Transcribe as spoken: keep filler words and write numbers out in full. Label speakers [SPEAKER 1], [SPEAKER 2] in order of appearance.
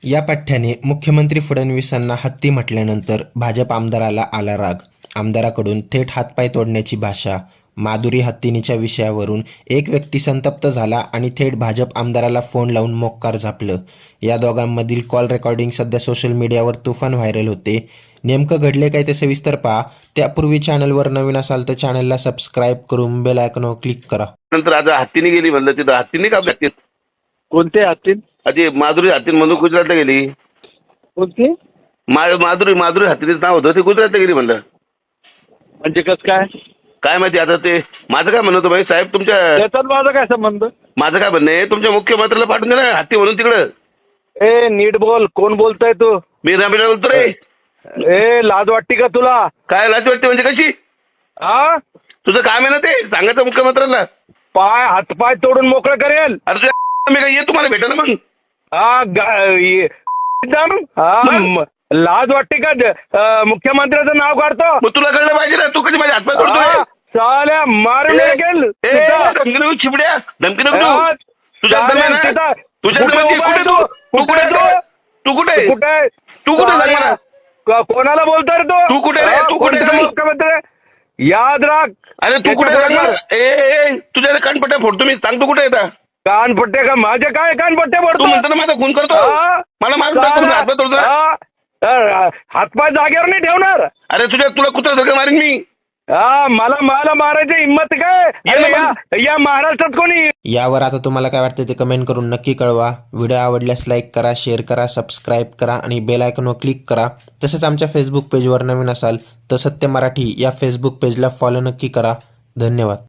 [SPEAKER 1] या पठ्ठ्याने मुख्यमंत्री फडणवीसांना हत्ती म्हटल्यानंतर भाजप आमदाराला आला राग. आमदाराकडून थेट हातपाय तोडण्याची भाषा. माधुरी हत्तीनीच्या विषयावरून एक व्यक्ती संतप्त झाला आणि थेट भाजप आमदाराला फोन लावून मोक्कार झापलं. या दोघांमधील कॉल रेकॉर्डिंग सध्या सोशल मीडियावर तुफान व्हायरल होते. नेमकं घडले काय ते सविस्तर पहा. त्यापूर्वी चॅनलवर नवीन असाल तर चॅनलला सबस्क्राईब करून बेल आयकॉनवर क्लिक करा.
[SPEAKER 2] नंतर आज हत्तीने गेली म्हणलं तिथं हत्तीने का हत्ती
[SPEAKER 3] कोणते हत्तीन?
[SPEAKER 2] आधी माधुरी हत्तीन म्हणून गुजरातला गेली.
[SPEAKER 3] कोणती?
[SPEAKER 2] मा माधुरी माधुरी हत्तीचं नाव होतं ते गुजरातला गेली म्हणलं.
[SPEAKER 3] म्हणजे कस काय
[SPEAKER 2] काय माहिती आता ते माझं काय म्हणणं होतं भाई साहेब तुमच्या
[SPEAKER 3] त्याच्यात माझा काय संबंध?
[SPEAKER 2] माझं काय म्हणणं आहे तुमच्या मुख्यमंत्र्याला पाठवून दे ना हत्ती म्हणून तिकडं.
[SPEAKER 3] ए नीट बोल, कोण बोलताय तू?
[SPEAKER 2] मी रमेश बोलतो रे.
[SPEAKER 3] ए लाज वाटते का तुला?
[SPEAKER 2] काय लाज वाटते म्हणजे कशी?
[SPEAKER 3] हा
[SPEAKER 2] तुझं काम आहे ना ते सांगायचं मुख्यमंत्र्यांना.
[SPEAKER 3] पाय हातपाय तोडून मोकळं करेल.
[SPEAKER 2] अरे तुझ्या मी काय ये तुम्हाला भेटायला मग.
[SPEAKER 3] हा गा- ये- एकदम हा म- लाज वाटते का? ज- अं, मुख्यमंत्र्याचं नाव काढतो.
[SPEAKER 2] मग तुला कळलं पाहिजे ना तू कधी माझ्या हातपाय
[SPEAKER 3] हा,
[SPEAKER 2] तोडतोय.
[SPEAKER 3] साल्या मारून
[SPEAKER 2] ए,
[SPEAKER 3] गेल
[SPEAKER 2] ए, धमकी नको चिबड्या धमकी नको देऊ. तुझ्या दम्या ना? तुझ्या दम्यात ये. कुठे तू तू कुठे तू तू कुठे
[SPEAKER 3] कुठे
[SPEAKER 2] तू कुठे सांग मला.
[SPEAKER 3] क- कोणाला बोलतोय रे
[SPEAKER 2] तू कुठे रे?
[SPEAKER 3] हा,
[SPEAKER 2] तू कुठे
[SPEAKER 3] कोणता
[SPEAKER 2] रे?
[SPEAKER 3] मुख्यमंत्री? याद राख.
[SPEAKER 2] अरे तू कुठे सांग मला. ए ए, तुझ्या कानपट्ट्या फोडतो मी. सांग तू कुठे येता.
[SPEAKER 3] कानपट्टे का? माझे काय कानपट्टे
[SPEAKER 2] तू
[SPEAKER 3] पडतो?
[SPEAKER 2] म्हणतो ना माझा खून करतो.
[SPEAKER 3] हा?
[SPEAKER 2] मला मारून टाकतो ना, हातपाय तोडतो ना.
[SPEAKER 3] हा? अ, हातपाय जागेवर नाही ठेवणार.
[SPEAKER 2] अरे तुझ्या तुला कुत्रा धक्का मारीन मी.
[SPEAKER 3] हा मला मला मारायची हिंमत काय?
[SPEAKER 2] ये
[SPEAKER 3] अरे
[SPEAKER 2] ना
[SPEAKER 3] या या महाराष्ट्रात कोणी?
[SPEAKER 1] यावर आता तुम्हाला काय वाटतं ते कमेंट करून नक्की कळवा. व्हिडिओ आवडल्यास लाईक करा, शेअर करा, सबस्क्राईब करा आणि बेल आयकॉनवर क्लिक करा. तसंच आमच्या फेसबुक पेजवर नवीन असाल तर सत्य मराठी या फेसबुक पेजला फॉलो नक्की करा. धन्यवाद.